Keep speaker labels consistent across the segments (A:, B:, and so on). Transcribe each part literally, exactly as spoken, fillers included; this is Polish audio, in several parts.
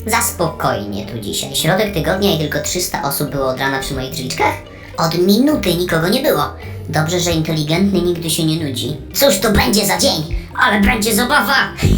A: Za spokojnie tu dzisiaj. Środek tygodnia i tylko trzysta osób było od rana przy moich drzwiczkach? Od minuty nikogo nie było. Dobrze, że inteligentny nigdy się nie nudzi. Cóż to będzie za dzień, ale będzie zabawa!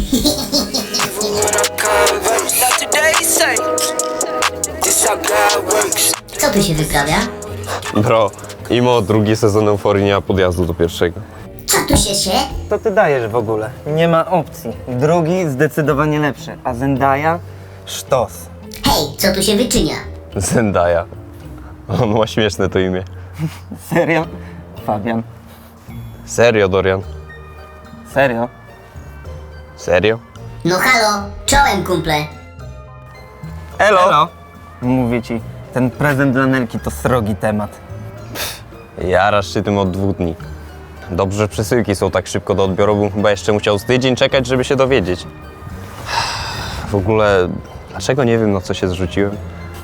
A: Co tu się wyprawia?
B: Bro, imo drugi sezon Euforii nie ma podjazdu do pierwszego.
A: Co tu się się?
C: To ty dajesz w ogóle. Nie ma opcji. Drugi zdecydowanie lepszy, a Zendaya sztos.
A: Hej, co tu się wyczynia?
B: Zendaya. On ma śmieszne to imię.
C: Serio? Fabian.
B: Serio, Dorian?
C: Serio?
B: Serio?
A: No halo, czołem kumple.
B: Elo!
C: Elo. Mówię ci, ten prezent dla Nelki to srogi temat.
B: Jarasz się tym od dwóch dni. Dobrze, że przesyłki są tak szybko do odbioru, bym chyba jeszcze musiał z tydzień czekać, żeby się dowiedzieć. W ogóle, dlaczego nie wiem, na co się zrzuciłem?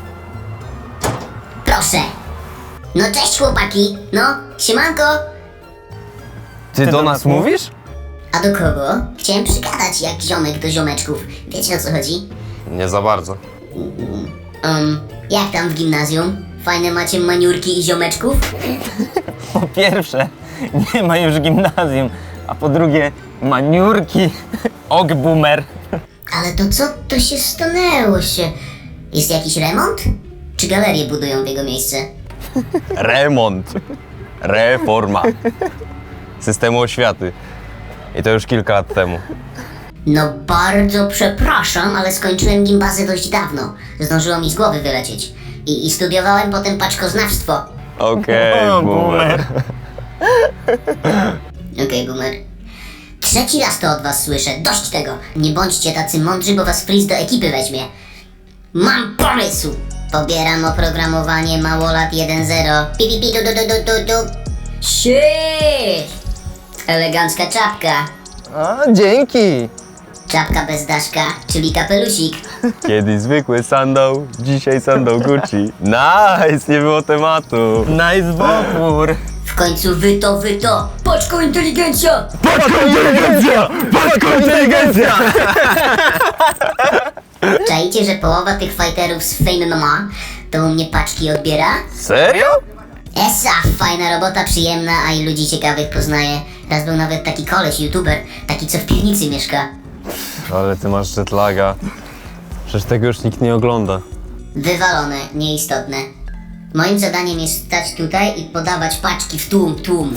A: Proszę. No cześć chłopaki. No, siemanko.
B: Ty, do,
C: do
B: nas
C: nas
B: mówisz?
A: A do kogo? Chciałem przygadać jak ziomek do ziomeczków. Wiecie o co chodzi?
B: Nie za bardzo.
A: Um, jak tam w gimnazjum? Fajne macie maniurki i ziomeczków?
C: Po pierwsze, nie ma już gimnazjum, a po drugie, maniurki. Og boomer.
A: Ale to co to się stanęło się? Jest jakiś remont? Czy galerię budują w jego miejsce?
B: Remont. Reforma. Systemu oświaty. I to już kilka lat temu.
A: No bardzo przepraszam, ale skończyłem gimbazę dość dawno. Zdążyło mi z głowy wylecieć. I, i studiowałem potem paczkoznawstwo.
B: Okej,
C: O,
B: boomer.
A: Okej, boomer. Trzeci raz to od was słyszę. Dość tego. Nie bądźcie tacy mądrzy, bo was Freeze do ekipy weźmie. Mam pomysł! Pobieram oprogramowanie Małolat jeden zero. Pi, pi, pi, du, du, du, du, du, du. Shit! Elegancka czapka.
C: A, dzięki.
A: Czapka bez daszka, czyli kapelusik.
B: Kiedyś zwykły sandał, dzisiaj sandał Gucci. Nice, nie było tematu.
C: Nice wopór.
A: W końcu wy to, wy to. Paczko inteligencja!
B: Paczko inteligencja! Paczko inteligencja!
A: Czajcie, że połowa tych fighterów z Fame M M A to u mnie paczki odbiera?
B: Serio?
A: Esa, fajna robota, przyjemna, a i ludzi ciekawych poznaję. Raz był nawet taki koleś, youtuber, taki co w piwnicy mieszka.
B: Ale ty masz jetlaga. Przecież tego już nikt nie ogląda.
A: Wywalone, nieistotne. Moim zadaniem jest stać tutaj i podawać paczki w tłum, tłum.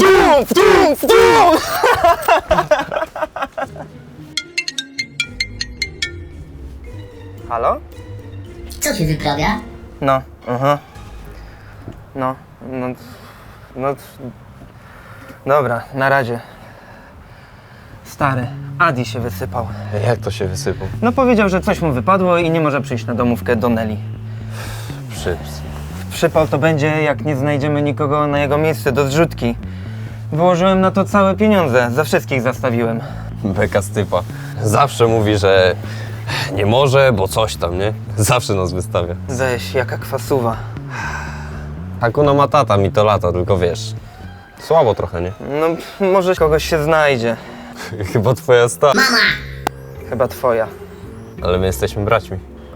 C: Halo?
A: Co się wyprawia?
C: No, aha. No, no, no. Dobra, na razie. Stary, Adi się wysypał.
B: Jak to się wysypał?
C: No powiedział, że coś mu wypadło i nie może przyjść na domówkę do Neli.
B: Przyps.
C: Przypał to będzie, jak nie znajdziemy nikogo na jego miejsce do zrzutki. Wyłożyłem na to całe pieniądze, za wszystkich zastawiłem.
B: Beka z typa. Zawsze mówi, że nie może, bo coś tam, nie? Zawsze nas wystawia.
C: Weź, jaka kwasuwa.
B: Hakuna Matata mi to lata, tylko wiesz. Słabo trochę, nie?
C: No, może kogoś się znajdzie.
B: Chyba twoja sta...
A: Mama!
C: Chyba twoja.
B: Ale my jesteśmy braćmi.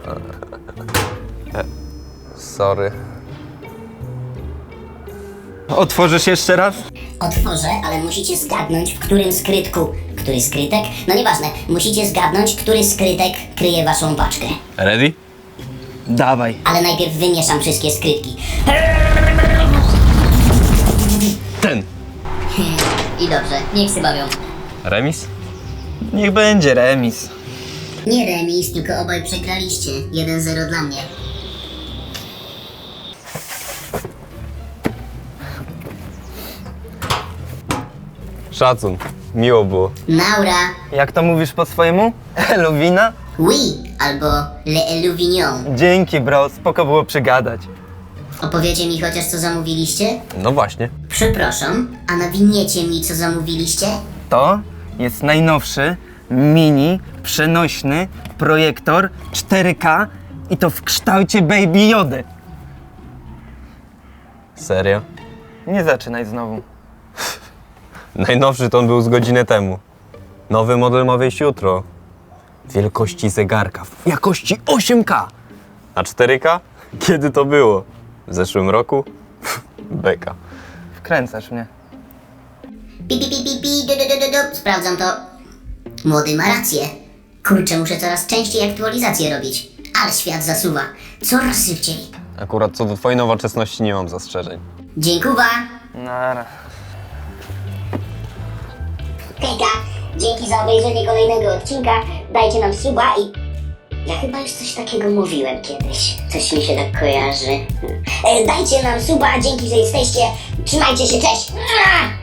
B: E, Sorry.
C: Otworzysz jeszcze raz?
A: Otworzę, ale musicie zgadnąć, w którym skrytku. Który skrytek? No nieważne, musicie zgadnąć, który skrytek kryje waszą paczkę.
B: Ready?
C: Dawaj.
A: Ale najpierw wymieszam wszystkie skrytki.
B: Ten.
A: I dobrze, niech się bawią.
B: Remis?
C: Niech będzie remis.
A: Nie remis, tylko obaj przegraliście. jeden zero dla mnie.
B: Szacun. Miło było.
A: Naura,
C: Jak to mówisz po swojemu? Eluwina?
A: oui, albo le Eluvignon.
C: Dzięki, bro, spoko było przygadać.
A: Opowiecie mi chociaż, co zamówiliście?
B: No właśnie.
A: Przepraszam, a nawiniecie mi, co zamówiliście?
C: To jest najnowszy, mini, przenośny projektor cztery K i to w kształcie Baby Jody.
B: Serio?
C: Nie zaczynaj znowu.
B: Najnowszy to on był z godzinę temu. Nowy model ma wyjść jutro. wielkości zegarka, w jakości osiem K. A cztery K? Kiedy to było? W zeszłym roku? Beka.
C: Wkręcasz mnie.
A: Pi, pi, pi, pi, pi, du, du, du, du, du. Sprawdzam to. Młody ma rację. Kurczę, muszę coraz częściej aktualizacje robić. Ale świat zasuwa. Coraz szybciej.
B: Akurat co do twojej nowoczesności nie mam zastrzeżeń.
A: Dziękuwa.
C: Nara.
A: Hejka, dzięki za obejrzenie kolejnego odcinka. Dajcie nam suba i... Ja chyba już coś takiego mówiłem kiedyś. Coś mi się tak kojarzy. E, dajcie nam suba, dzięki, że jesteście. Trzymajcie się, cześć!